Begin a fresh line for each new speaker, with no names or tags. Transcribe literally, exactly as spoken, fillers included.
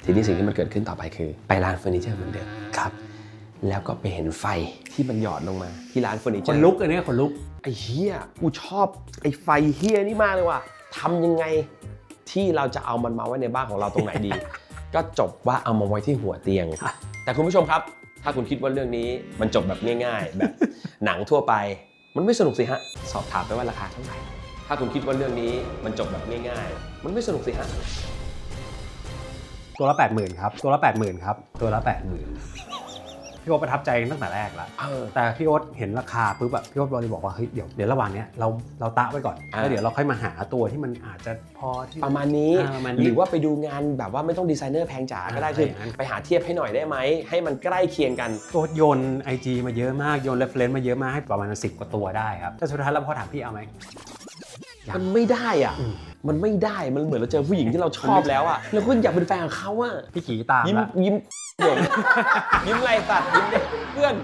ทีนี้สิ่งที่มันเกิดขึ้นต่อไปคือไปร้านเฟอร์นิเจอร์เหมือนเดิมครับแล้วก็ไปเห็นไฟที่มันหยอดลงมาที่ร้านเฟอร์นิเจอร์
คนลุกอันนี้คนลุก
ไอ้เฮียกูชอบไอ้ไฟเฮียนี่มากเลยว่ะทำยังไงที่เราจะเอามันมาไว้ในบ้านของเราตรงไหนดี ก็จบว่าเอามาไว้ที่หัวเตียงแต่คุณผู้ชมครับถ้าคุณคิดว่าเรื่องนี้มันจบแบบง่ายๆ แบบหนังทั่วไปมันไม่สนุกสิฮะสอบถามไปว่าราคาเท่าไหร่ถ้าคุณคิดว่าเรื่องนี้มันจบแบบง่ายๆมันไม่สนุกสิฮะ
ตัวละแปดหมื่นครับตัวละแปดหมื่นครับตัวละแปดหมื่นพี่โอ๊ตประทับใจตั้งแต่แรกแล้วแต่พี่โอ๊ตเห็นราคาปุ๊บแบบพี่โอ๊ตเลยบอกว่าเฮ้ยเดี๋ยวเดี๋ยวระหว่างนี้เราเราตะไว้ก่อนแล้วเดี๋ยวเราค่อยมาหาตัวที่มันอาจจะพอที่
ประมาณนี้หรือว่าไปดูงานแบบว่าไม่ต้องดีไซเนอร์แพงจ๋าก็ได้คือไปหาเทียบให้หน่อยได้ไหมให้มันใกล้เคียงกัน
โอ๊ตโยน ไอ จี มาเยอะมากโยน reference มาเยอะมากให้ประมาณสิบกว่าตัวได้ครับแต่สุดท้ายแล้วพอถามพี่เอาไหม
มันไม่ได้อ่ะมันไม่ได้มันเหมือนเราเจอผู้หญิงที่เราชอบแล้วอ่ะเราก็อยากเป็นแฟนของเขาอ่ะ
พี่กี่ตาม
ยิ้มยิ้มยิ้มไรสัตว์ยิ้มเพื่อน